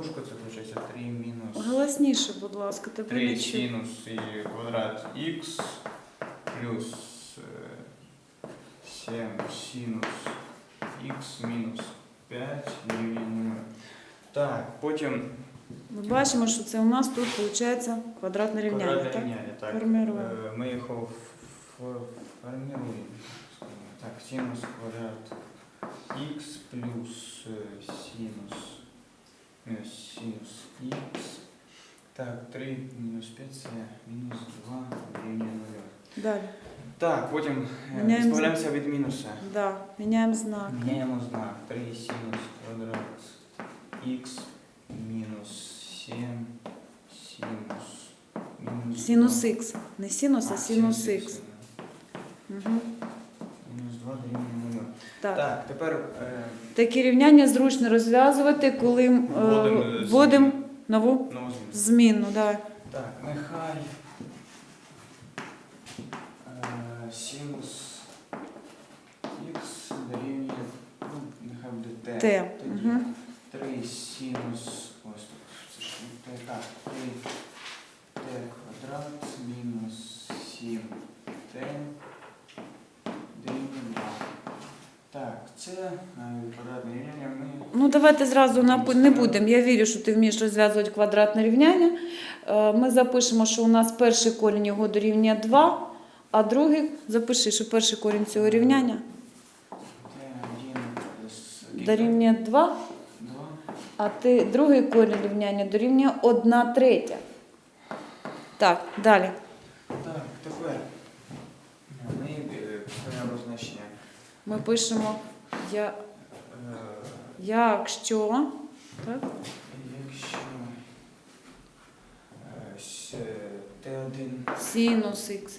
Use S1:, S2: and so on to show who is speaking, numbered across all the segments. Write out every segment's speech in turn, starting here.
S1: дужку, це виходить 3 мінус
S2: Голосніше, будь ласка, тебе
S1: 3
S2: не чую.
S1: синус і квадрат х плюс 7 синус х мінус 5 дорівнює 0. Так, потім
S2: Ми бачимо, що це у нас тут виходить квадратне рівняння.
S1: квадратне
S2: Так?
S1: рівняння. Так,
S2: Формируємо.
S1: ми його формируємо. Так, синус квадрат х плюс синус х. Так, 3 мінус 5 це мінус 2 дорівнює 0.
S2: Далі.
S1: Так, потім
S2: Міняємо
S1: збавляємося від мінуса.
S2: Да, міняємо знак.
S1: Міняємо знак. 3 синус квадрат х мінус 7 синус
S2: Синус
S1: 2.
S2: х. Не синус, а синус х. Угу.
S1: Мінус 2 дорівнює 0.
S2: Так.
S1: Так, тепер
S2: Такі рівняння зручно розв'язувати, коли вводимо нову
S1: нову зміну.
S2: зміну. Да.
S1: Так, нехай синус х дорівнює, ну, нехай буде t.
S2: T.
S1: Тоді
S2: Угу.
S1: 3 синус, ось тут, це ж не t, так, 3t квадрат мінус 7t дорівнює 2. Так, це квадратне рівняння ми...
S2: Ну, давайте зразу не будемо. Я вірю, що ти вмієш розв'язувати квадратне рівняння. Ми запишемо, що у нас перший корінь його дорівнює 2, а другий, запиши, що перший корінь цього рівняння дорівнює 2,
S1: 2.
S2: а другий корінь рівняння дорівнює 1/3. Так, далі.
S1: Так, тепер ми писаємо значення.
S2: Ми пишемо,
S1: Е,
S2: якщо, так?
S1: Якщо Т1
S2: Синус х,
S1: синус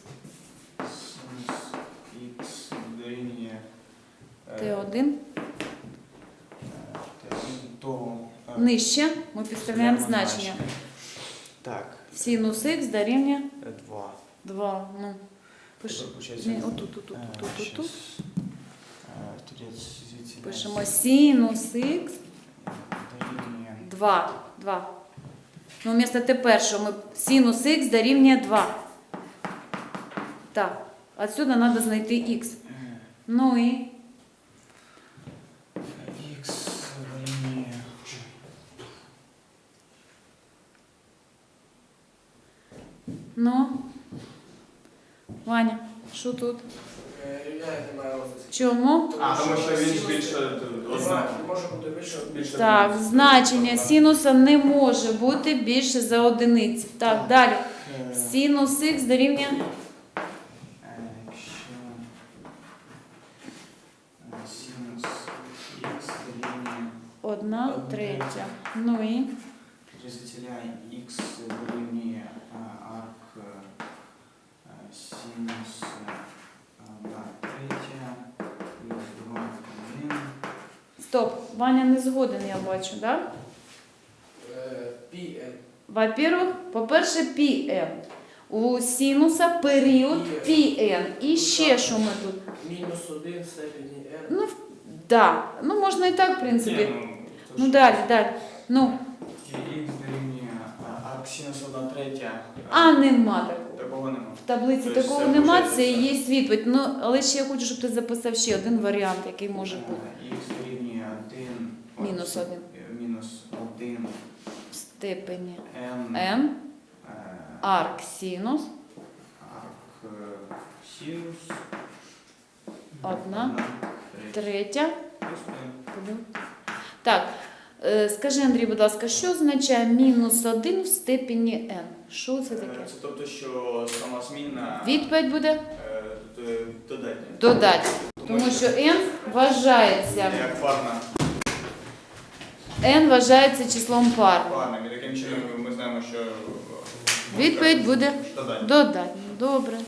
S1: х дорівнює
S2: Т1
S1: то
S2: нижче, ми підставляємо значення.
S1: Так,
S2: Синус х дорівнює
S1: 2.
S2: 2. Ну, пиши.
S1: Тепер, получається,
S2: Ні, отут.
S1: щас, тоді звідси
S2: Пишемо синус х
S1: дорівнює
S2: 2. 2. Ну, вмісто першого ми синус х дорівнює 2. Так, отсюда треба знайти х. Ну і
S1: х дорівнює
S2: ну, Ваня, що тут?
S3: Рівняння немає розвитку.
S2: Чому?
S1: тому що він більше одна.
S3: Може бути більше.
S2: Так, значення синуса не може бути більше за одиниці. Так, далі. Синус х дорівнює
S1: Якщо синус х дорівнює
S2: 1/3. Ну і
S1: розділяємо х дорівнює арк синус 1/3 плюс 2/1.
S2: стоп. Ваня не згоден, я бачу, так?
S3: Пі
S2: Во-первых, по-перше, πn. У синуса період πn. І ще що ми тут?
S3: мінус 1 в степені r.
S2: Ну, да. Ну, можна і так, в принципі.
S1: Ні,
S2: Ну, далі. Ну,
S1: х дорівнює арк синус 1/3.
S2: а нема такого.
S1: Такого нема.
S2: В таблиці
S1: Тобто
S2: такого
S1: це
S2: нема,
S1: виходить,
S2: це і
S1: так.
S2: є відповідь. Ну, але ще я хочу, щоб ти записав ще один варіант, який може бути.
S1: Х дорівнює 1.
S2: Мінус 1.
S1: Мінус 1
S2: В степені
S1: n
S2: n, арк синус,
S1: арк синус
S2: 1/3. Так, скажи, Андрій, будь ласка, що означає мінус 1 в степені n? Що це таке?
S1: Це тобто, що сама змінна
S2: Відповідь буде
S1: додатня.
S2: додати. Тому що n вважається,
S1: Як парна.
S2: n вважається числом парним.
S1: Парним. І таким чином ми знаємо, що
S2: Відповідь буде
S1: додатня.
S2: додатньо. Добре.